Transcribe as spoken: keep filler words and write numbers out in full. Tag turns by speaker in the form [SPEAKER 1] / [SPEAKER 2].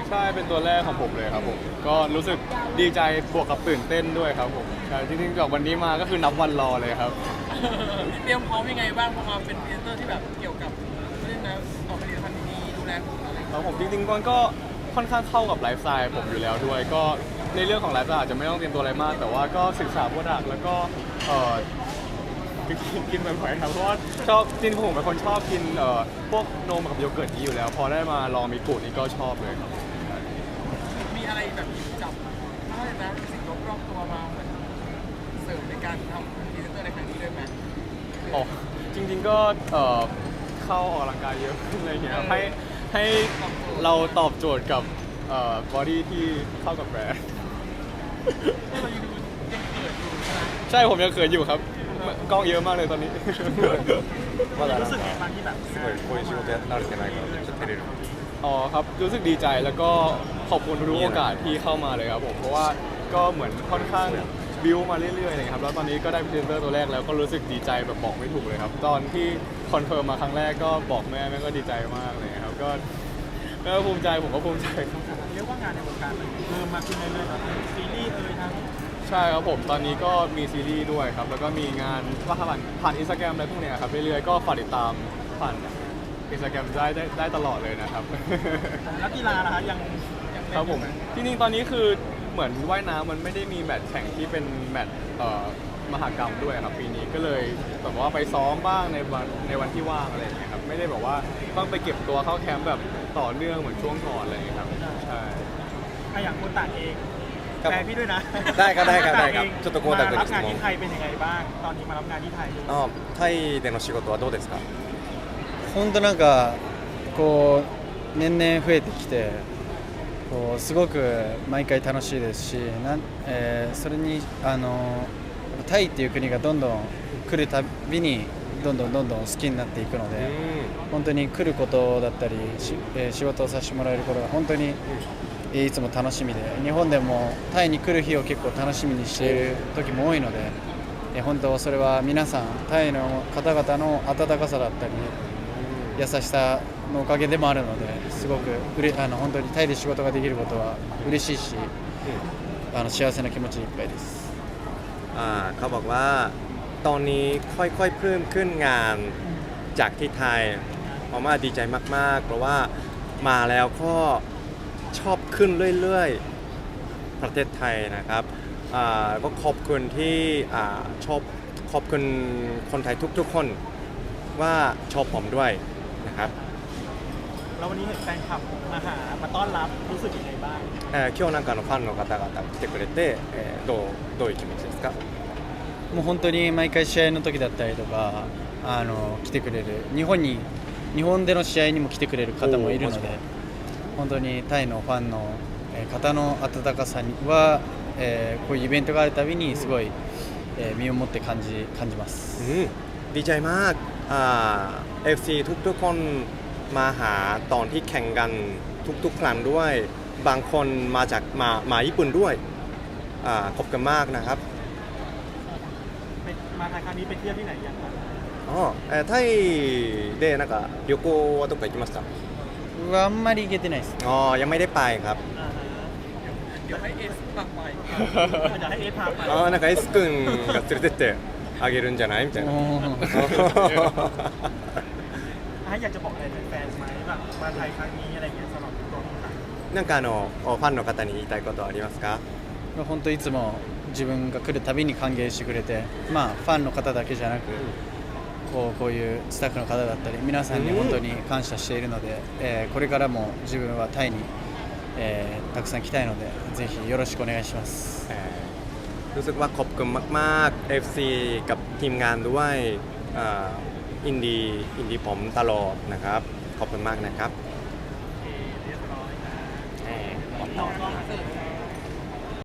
[SPEAKER 1] ใช่เป็นตัวแรกของผมเลยครับผมก็รู้สึกดีใจบวกกับตื่นเต้นด้วยครับผมใช่จริงๆจากวันนี้มาก็คือนับวันรอเลยครับ
[SPEAKER 2] เตรียมพร้อมยังไงบ้างพอมาเป็นพรีเซนเตอร์ที่แบบเกี่ยวกับเรื่องนะออกผลิตภัณฑ์ดีๆดูแลคนอะไร
[SPEAKER 1] ครับผมจริงๆมันก็ค่อนข้างเข้ากับไลฟ์สไตล์ผมอยู่แล้วด้วย ก็ในเรื่องของไลฟ์สไตล์อาจจะไม่ต้องเตรียมตัวอะไรมาก แต่ว่าก็ศึกษาโปรดักต์แล้วก็เอ่อกินบ่อยๆครับเพราะว่าชอบจริงๆผมเป็นคนชอบกินเอ่อพวกนมกับโยเกิร์ตนี้อยู่แล้ว พอได้มาลองมิกุนี่ก็ชอบเลยครับ
[SPEAKER 2] มีอะไรแบบหยิบจับอะไรนะสิ่งรอบๆตัวมาเหมือนเสริมในการทำพรีเซนเตอร์ในครั้งนี้ด้วยไหม
[SPEAKER 1] อ๋อจริงๆก็เอ่อเข้าออกกำลังกายเยอะขึ้นอะไรเงี้ยให้ให้เราตอบโจทย์กับบอดี้ที่เข้ากับแบรนด์ใช่ผมยังเขินอยู่ครับกล้องเยอะมากเลยตอนนี้
[SPEAKER 3] まだรู้สึกบางที่แบบすごいこういう仕事やられてないからめっちゃ照れる
[SPEAKER 1] อ๋อครับรู้สึกดีใจแล้วก็ขอบคุณทุกโอกาสที่เข้ามาเลยครับผมเพราะว่าก็เหมือนค่อนข้างบิวมาเรื่อยๆเลยครับแล้วตอนนี้ก็ได้พรีเซนเตอร์ตัวแรกแล้วก็รู้สึกดีใจแบบบอกไม่ถูกเลยครับตอนที่คอนเฟิร์มมาครั้งแรกก็บอกแม่แม่ก็ดีใจมากเลยครับก็ก็ภูมิใจผมก็ภูมิใจครับ
[SPEAKER 2] เรียกว่างานในวงการมันเริ่มมาขึ้นเรื่อยๆแล้วซีรีส์เอ่ยทั้ง
[SPEAKER 1] ใช่ครับผมตอนนี้ก็มีซีรีส์ด้วยครับแล้วก็มีงานว่าผ่านผ่านอินสตาแกรมอะไรพวกเนี้ยครับเรื่อยๆก็ฝากติดตามผ่านอินสตาแกรมได้ได้ได้ตลอดเลยนะครับ
[SPEAKER 2] นักกีฬานะคะยัง
[SPEAKER 1] ครับผมจริงๆตอนนี้คือเหมือนว่ายน้ำมันไม่ได้มีแมตช์แข่งที่เป็นแมตช์เอ่อมหกรรมด้วยครับปีนี้ก็เลยแบบว่าไปซ้อมบ้างในวันในวันที่ว่างอะไรอย่างเงี้ยครับไม่ได้แบบว่าต้องไปเก็บตัวเข้าแคมป์แบบต่อเนื่องเหมือนช่วงก่อนอะไรอย่างเงี้ยครับใช่
[SPEAKER 2] ถ้าอย่างคนต่างเองแฟนพี่ด้วยนะ
[SPEAKER 3] ได้ครับได้ครับได้ครับちょっとコンタクト
[SPEAKER 2] รับงานที่ไทยเป็นยังไงบ้างตอนนี้มารับงานที่ไทย
[SPEAKER 3] あタイでの仕事はどうですか
[SPEAKER 4] 本当なんかこう年々増えてきてこうすごく毎回楽しいですしなん、えー、それにあのタイっていう国がどんどん来るたびにどんどんどんどん好きになっていくので本当に来ることだったりし、えー、仕事をさせてもらえることが本当にいつも楽しみで日本でもタイに来る日を結構楽しみにしている時も多いので、えー、本当それは皆さんタイの方々の温かさだったり優しさのおかげでもあるのですごくうれあの本当にタイで仕事ができることは嬉しいし、あの幸せな気持ちでいっぱいです。
[SPEAKER 3] อ่าเขาบอกว่าตอนนี้ค่อยๆเพิ่มขึ้นงานจากที่ไทยเพราะว่าดีใจมากๆเพราะว่ามาแล้วก็ชอบขึ้นเรื่อยๆประเทศไทยนะครับอ่าก็ขอบคุณที่อ่าชอบขอบคุณคนไทยทุกๆคนว่าชอบผมด้วยนะครับ
[SPEAKER 2] แล้ววันนี้เห็นแฟนคลับมาหามาต้อนรับรู้สึกยังไงบ้าง
[SPEAKER 3] えー、今日なんかのファンの方々来てくれて、えー、どうどういう気持ちですか
[SPEAKER 4] もう本当に毎回試合の時だったりとかあの来てくれる日本に日本での試合にも来てくれる方もいるので本当にタイのファンの方の温かさには、えー、こういうイベントがあるたびにすごい、えー、身をもって感じ感じます、
[SPEAKER 3] うん、ดีใจมากอ่า เอฟ ซี ทุกๆคนมาหาตอนที่แข่งกันทุกๆครั้งด้วยบางคนมาจากมามาญี่ปุ่นด้วยอ่าขอบคุณมากนะครับ
[SPEAKER 2] มาไทยครั้งนี้ไปเที่ยวที่ไหนยังครับ
[SPEAKER 3] อ๋อえー、タイでなんか旅行はどこか行きました
[SPEAKER 4] あんまり行けてないです
[SPEAKER 3] อ๋อยังไม่ได้ไปครับ
[SPEAKER 2] เดี๋ยวให้เอสพาไปเดี๋ยวให้เอสพาไป
[SPEAKER 3] อ๋อなんかエス君が連れてってあげるんじゃないみたいな
[SPEAKER 2] อยากจะบอกอะไรแฟนๆไหมแบบมาไทยครั้งนี้อะไรเงี้ยสำหรับตัวของไทย
[SPEAKER 3] なんかあのファンの方に言いたいことはありますか
[SPEAKER 4] 本当いつも自分が来るたびに歓迎してくれてまあファンの方だけじゃなくこうこういうスタッフの方だったり皆さんに本当に感謝しているので、えー、これからも自分はタイに、えー、たくさん来たいのでぜひよろしくお願いします、え
[SPEAKER 3] ー รู้สึกว่าขอบคุณมากๆ เอฟ ซี กับทีมงานด้วยอินดีอินดีผมตลอดนะครับขอบคุณมากนะครับ
[SPEAKER 2] เรียบร้อยนะ
[SPEAKER 3] ต่อ